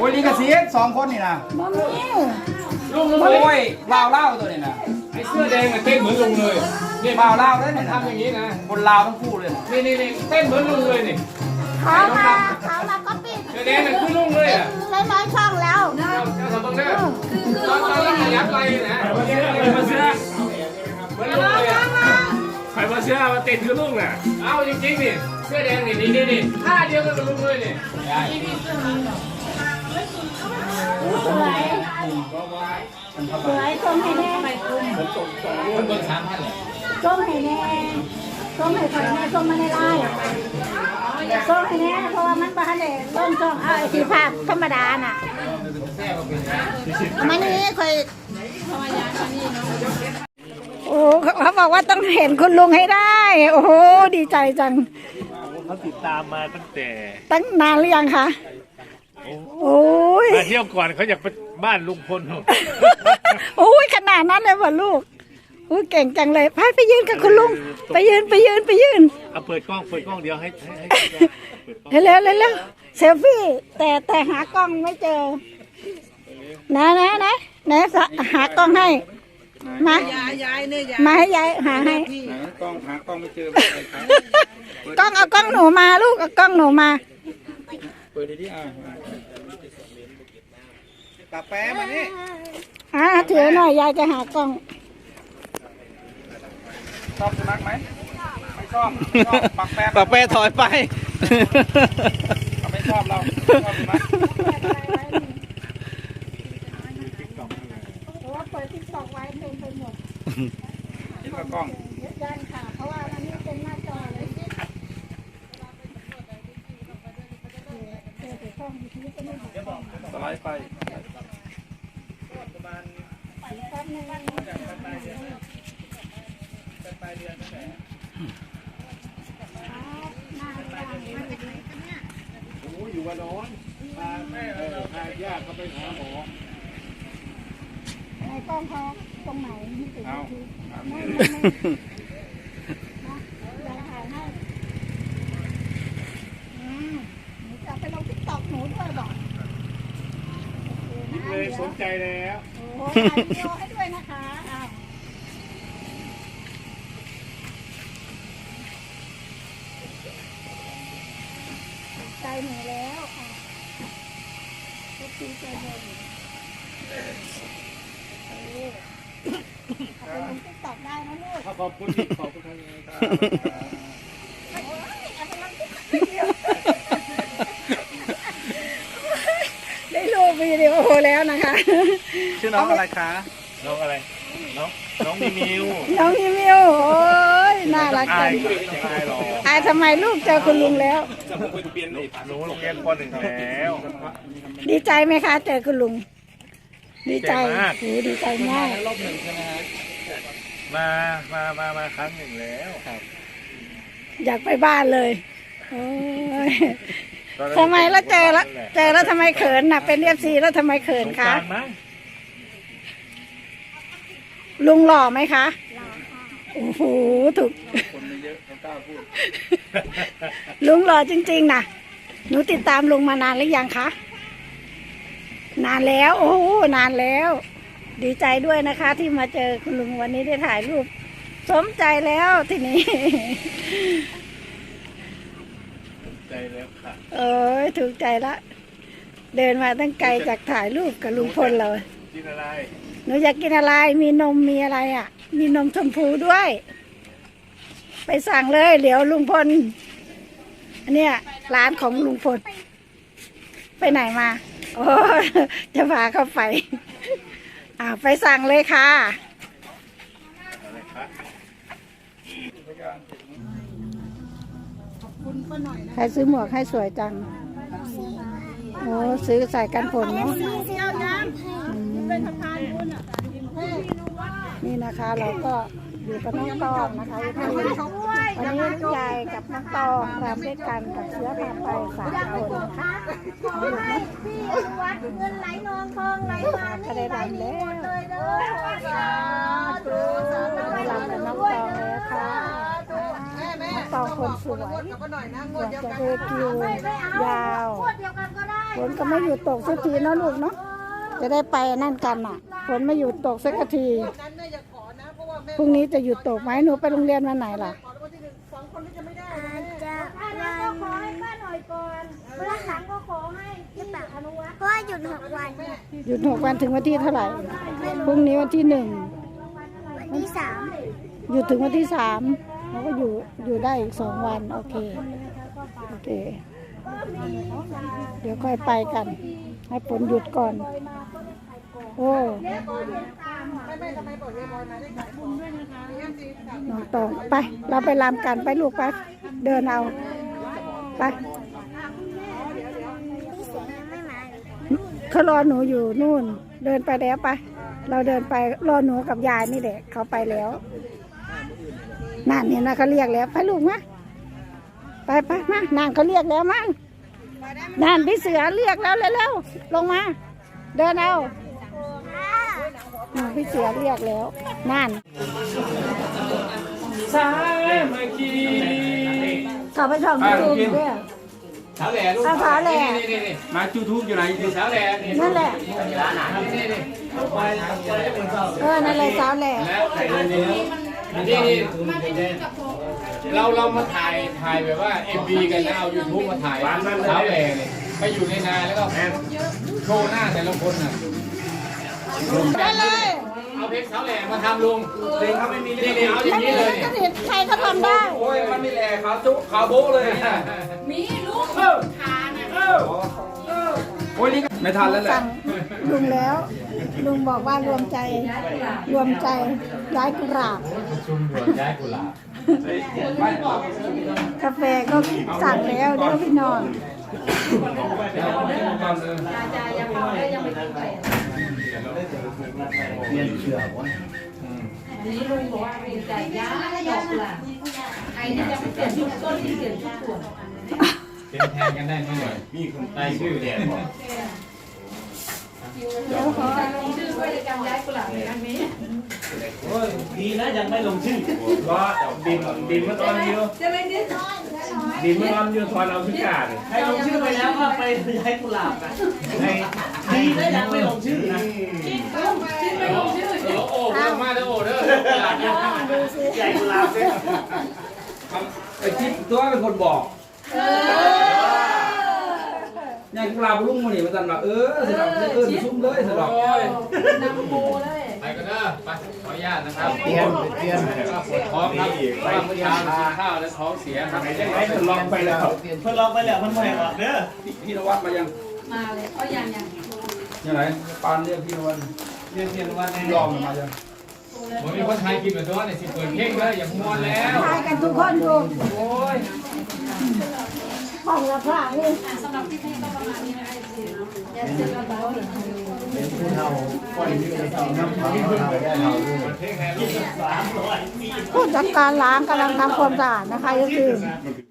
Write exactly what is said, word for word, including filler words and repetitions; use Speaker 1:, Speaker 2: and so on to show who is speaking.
Speaker 1: อ้ยลิงกับเสียสองคนนี่นะ
Speaker 2: บ่มี
Speaker 3: ลุงลุง
Speaker 1: โอ้
Speaker 3: เลย
Speaker 1: ยบ่าวเล่าตัวนี้นะ
Speaker 3: ไอ้เสื้อแดงเต้นเหมือนลุงเลยนี่
Speaker 1: บ่าวเล่าด้วยเนี่ย
Speaker 3: ทำอย่างนี้นะ
Speaker 1: คนลาวทั้งคู่เลย
Speaker 3: นี่นี่นี่เต้นเหมือนลุงเลยนี่
Speaker 2: เขามาเขามาก็ปิด
Speaker 3: เสื้อแดงมันคือลุงเลยอ่ะ
Speaker 2: ร้อยร้อยช่องแล้ว
Speaker 3: เจ้าเจ้าทำบ้างนะตอนตอนนั้นยับไรนะมาเสื้อเหมือนลุงเลยอ่ะใครมาเสื้อมาติดคือลุงน่ะเอาจริงๆนี่เสื้อแดงนี่นี่นี่นี่ท่าเดียวกันกับลุงเลยนี่
Speaker 2: สวยสวยส้มให้แน่
Speaker 3: คนเบิกสามพันเลย
Speaker 2: ส้มให้แน่ส้มให้คนแน่ส้มมาในไร่ส้มให้แน่เพราะว่ามันบ้านเด็กต้นส้มเอาไอ้สีภาพธรรมดาน่ะมันนี่เคยโอ้เขาบอกว่าต้องเห็นคุณลุงให้ได้ โอ้โหดีใจจัง
Speaker 4: เขาติดตามมาตั้งแต่
Speaker 2: ตั้งนานหรือยังคะโอ้ย
Speaker 4: มาเที่ยวก่อนเขาอยากไปบ้านลุงพล
Speaker 2: โอ้ยขนาดนั้นเลยว่ะลูกอู้เก่งจังเลยพาไปยืนกับคุณลุงไปยืนไปยืนไปยืน
Speaker 4: เอาเปิดกล้องเปิดกล้องเดียวให้ให้ให้เปิดกล้อง
Speaker 2: เร็วเร็วเร็วเซลฟี่แต่แต่หากล้องไม่เจอนะนะนะนะหากล้องให้มา
Speaker 5: ย้ายย้ายเนี่ยย้าย
Speaker 2: มาให้ยายหาให้
Speaker 1: กล้องหากล้องไม่เจอก
Speaker 2: ล้องเอากล้องหนูมาลูกเอากล้องหนูมา
Speaker 1: เปิดดีๆอ่ะปากแป๊มานี่
Speaker 2: อ่าถือหน่อยยายจะหากล้อง
Speaker 1: ชอบสุนัขไหมไม่ชอบชอบปากแป๊
Speaker 6: ปากแปรถอยไป
Speaker 1: เราไม่ชอบเราชอบสุนัข
Speaker 2: เพราะว่าเปิดติ๊กต็อกไว้เต็มไปหมด
Speaker 1: กินกับกล้อง
Speaker 2: ยันค่ะเพราะว่าอันนี้เป็นหน้าจอเลย
Speaker 1: สไลด์ไป
Speaker 4: โอ้อยู่วันน้อนพาแม่พาญาติเขาไปหาหมอ
Speaker 2: ในกล้องเขาตรงไหนนี่ติด
Speaker 1: เอา
Speaker 2: ที
Speaker 1: เอา
Speaker 2: ไม่
Speaker 1: นี่
Speaker 2: ไม่ไม่นะเดี๋ยวถ่ายให้อืมหนูจะไปลงติ๊กต็อกหนูด้วยบอก
Speaker 4: เลยสนใจแล้ว
Speaker 2: โอ้ถ่ายวิดีโอให้ด้วยนะคะอ้าวใจหนูแล้วค่ะทุกทีใจเย็นเออเอาไปลงติ๊กต็อกได้นะลูก
Speaker 4: ขอบคุณที่ขอบคุณทางนี้ครับ
Speaker 2: ได้รูปวิดีโอแล้วนะคะ
Speaker 1: ชื่อน้องอะไรคะ
Speaker 4: น้องอะไรน้องน้องมีมิว
Speaker 2: น้องนิมิวโอ้ยน่ารัก
Speaker 4: อา
Speaker 2: จั
Speaker 4: ย
Speaker 2: ง
Speaker 4: อายหรอ
Speaker 2: อายทำไมลูกเจอคุณลุงแล้ว
Speaker 4: หนูโรงเรียนปหนึ่งแล้ว
Speaker 2: ดีใจไหมคะ เจอคุณลุง ดีใจ
Speaker 4: ดีใจมาก
Speaker 2: โอ้ดีใจมาก
Speaker 1: รอบหนึ่งใช่ไหมฮะ
Speaker 4: มามามามาครั้งหนึ่งแล้ว
Speaker 2: อยากไปบ้านเลยโอ้ยทำไมแล้วเจอแล้วเจอแล้วทำไมเขินน่ะ เป็นเอฟซีแล้วทำไมเขิน
Speaker 4: สง
Speaker 2: คะ
Speaker 4: กรานต์มั้ง
Speaker 2: ลุงหล่อไหมคะโอ้โหถูก
Speaker 1: คนไม่เยอะเขากล้าพูด
Speaker 2: ลุงหล่อจริงๆนะหนูติดตามลุงมานานหรือยังคะ นานแล้ว โอ้โหนานแล้ว ดีใจด้วยนะคะ ที่มาเจอคุณลุงวันนี้ได้ถ่ายรูป สมใจแล้วทีนี้
Speaker 4: ใจแล้วค่ะ
Speaker 2: เอ้ยถูกใจละ เดินมาตั้งไกลจากถ่ายรูปกับลุงพลเรา
Speaker 4: กินอะไร
Speaker 2: หนูอยากกินอะไร มีนมมีอะไรอ่ะ มีนมชมพูด้วย ไปสั่งเลยเดี๋ยวลุงพลอันเนี้ยร้านของลุงพล ไปไหนมา โอ้จะพาเข้าไป อ่าไปสั่งเลยค่ะ
Speaker 4: อะไรคะ
Speaker 2: ใครซื้อหมวกให้สวยจัง โอ้ซื้อใส่กันฝนเนาะอืมนี่นะคะเราก็อยู่กับน้องตองนะคะวันนี้ยายกับน้องตองรำด้วยกันกับเชื้อพาไปสามคนนะคะ
Speaker 5: ขอให้พี่วัดเงินไหลนองทองไหลมานี่ไหลนี้หมดเลยเด้อสาธุสาธุ
Speaker 2: รำกับน้องตองเลยค่ะน้องตองคนสวยอยากจะเดินคิวยาว
Speaker 5: ขวดเดียวกันก็ได้
Speaker 2: ฝนก็ไม่หยุดตกสักทีเนาะลูกเนาะจะได้ไปนั่นกันอ่ะฝนไม่หยุดตกสักทีพรุ่งนี้จะหยุดตกไหมหนูไปโรงเรียนวันไหนล่ะ
Speaker 5: อาจจะวันขอให้ป้าหน่อยก่อนวันหลังก็ขอให้ที่ปากอนุวัฒน์เพราะว่าหยุดหกวัน
Speaker 2: หยุดหกวันถึงวันที่เท่าไหร่พรุ่งนี้วันที่หนึ่ง
Speaker 5: วันที่สาม
Speaker 2: หยุดถึงวันที่สามเราก็อยู่อยู่ได้อีกสองวันโอเคโอเค เดี๋ยวค่อยไปกัน ให้ฝนหยุดก่อน โอ้น้องตองไป เราไปรำกันไปลูกไปเดินเอาไป
Speaker 5: พี่เสียงยังไม่มาเลย
Speaker 2: เขารอหนูอยู่นู่น เดินไปแล้วไป เราเดินไปรอหนูกับยายนี่แหละเขาไปแล้วนั่นเนี่ยนะเขาเรียกแล้วไปลูกมาไปไปมานั่นเขาเรียกแล้วมั้งนั่นพี่เสือเรียกแล้วเร็วๆลงมา เดินเอานั่นพี่เสือเรียกแล้วนั่น
Speaker 3: สายมาคี
Speaker 2: เขาไปช่องยูทูบด้วย
Speaker 3: สาวแหล่ลูก
Speaker 2: เอาสาวแหล่
Speaker 3: นี่นี่นี่มายูทูบอยู่ไหนอยู่สาวแหล่นี่
Speaker 2: นั่นแหละ
Speaker 3: ร้านไหนนี่นี่ไปไปเป็นเจ้า
Speaker 2: เออนั่นเลยสาวแหล่
Speaker 3: แล้วใส่เงินนี้นี่นี่เราเรามาถ่ายถ่ายแบบว่าเอ็มบีกันนะเอายูทูบมาถ่ายสาวแหล่นี่ไปอยู่ในนาแล้วก็โชว์หน้าแต่ละคนน่ะ
Speaker 2: ได้เลย
Speaker 3: เอาเพลงสาวแหล่มาทำลุงเพลงเขาไม่มีนี่นี่เอาอย่าง
Speaker 2: ไม่
Speaker 3: นี้
Speaker 2: มี
Speaker 3: เลย
Speaker 2: ลิขสิทธิ์ใครก็ทำได้
Speaker 3: โอ้ยมันไม่แหล่ขาวจุ๊ขาวโบ๊ะเลยเนี่ย
Speaker 6: มีลูก
Speaker 3: เออ
Speaker 6: ทานอ่ะ
Speaker 3: เออโอ้ยนี่ไม่ทันแล้วแหละ
Speaker 2: สั่งลุงแล้ว ลุงบอกว่ารวมใจ รวมใจย้ายกุหลาบ
Speaker 3: ชุมด่วนย้ายกุหลาบ
Speaker 2: กาแฟก็สั่งแล้วเดี๋ยวพี่นอน
Speaker 6: ยายยังเอาได้ยังไม่กินไปอันนี้ลุงบอกว่าดีใจย้ายหยอกล่ะไอ้นี่ยังไม่เปลี่ยนชุดต้นที่เปลี่ยนชุดส่วน
Speaker 3: เป็นแทนกันได้ไหมหน่อยมีคนใต้ชื่อแดนบอก
Speaker 2: เดี๋ยวขอ
Speaker 6: ลงชื่อด้วยในการย้ายกุหลาบในครั้งนี้
Speaker 4: ดีนะยังไม่ลงชื่อ
Speaker 3: ว่าดินดินเมื่อตอนนี้
Speaker 6: จะไม่ดิ้น
Speaker 3: ดินเมื่อตอนยูทอนเอาพิการ
Speaker 4: ใครลงชื่อไปแล้วก็ไปย้ายกุหลาบนะดีนะยังไม่ลงชื่อนะ
Speaker 6: ชื่อไม่ลงชื่อ
Speaker 3: โอ้โหมาเด้อโอ้เด้อหลานเนี่ย
Speaker 4: ใหญ่กุหลาบเนี่ย
Speaker 1: ไอ้ที่ตัวเป็นคนบอกยังกลาบลุงมันนี่มันตันว่าเออสนับเออซุ่มเลยสนับ
Speaker 6: นำโมเลย
Speaker 3: ไปกันเด้อไปขออนุญาตนะครับเตรียมเตรียมปวดท้องครับไปเมื่อเช้ากินข้าวแล้วท้องเสียครับ
Speaker 1: ไอ้คนลองไปแล้ว
Speaker 4: เพิ่นลองไปแล้วมันไม่หรอกเด้อ
Speaker 1: พี่นวัดมายัง
Speaker 6: มาเลยเอาอย่างอย่าง
Speaker 1: ยังไงปานเรียกพี่นวัด
Speaker 4: เรียนเรียนวันนี้
Speaker 1: ยอมมายัง
Speaker 3: ผมมีคนไทยกินแบบตัวเนี่ยสิเปิดเพลงเลยอย่ามัวแล้ว
Speaker 2: ทายกันทุกคนดู
Speaker 3: โอ้ย
Speaker 2: ห้องละพระนี่
Speaker 6: สำหรับที่นี่ก็ประมาณนี้นะคะอย่าเสียกันแล้ว
Speaker 2: ผู้จัดการล้างกำลังทำความสะอาดนะคะก็คือ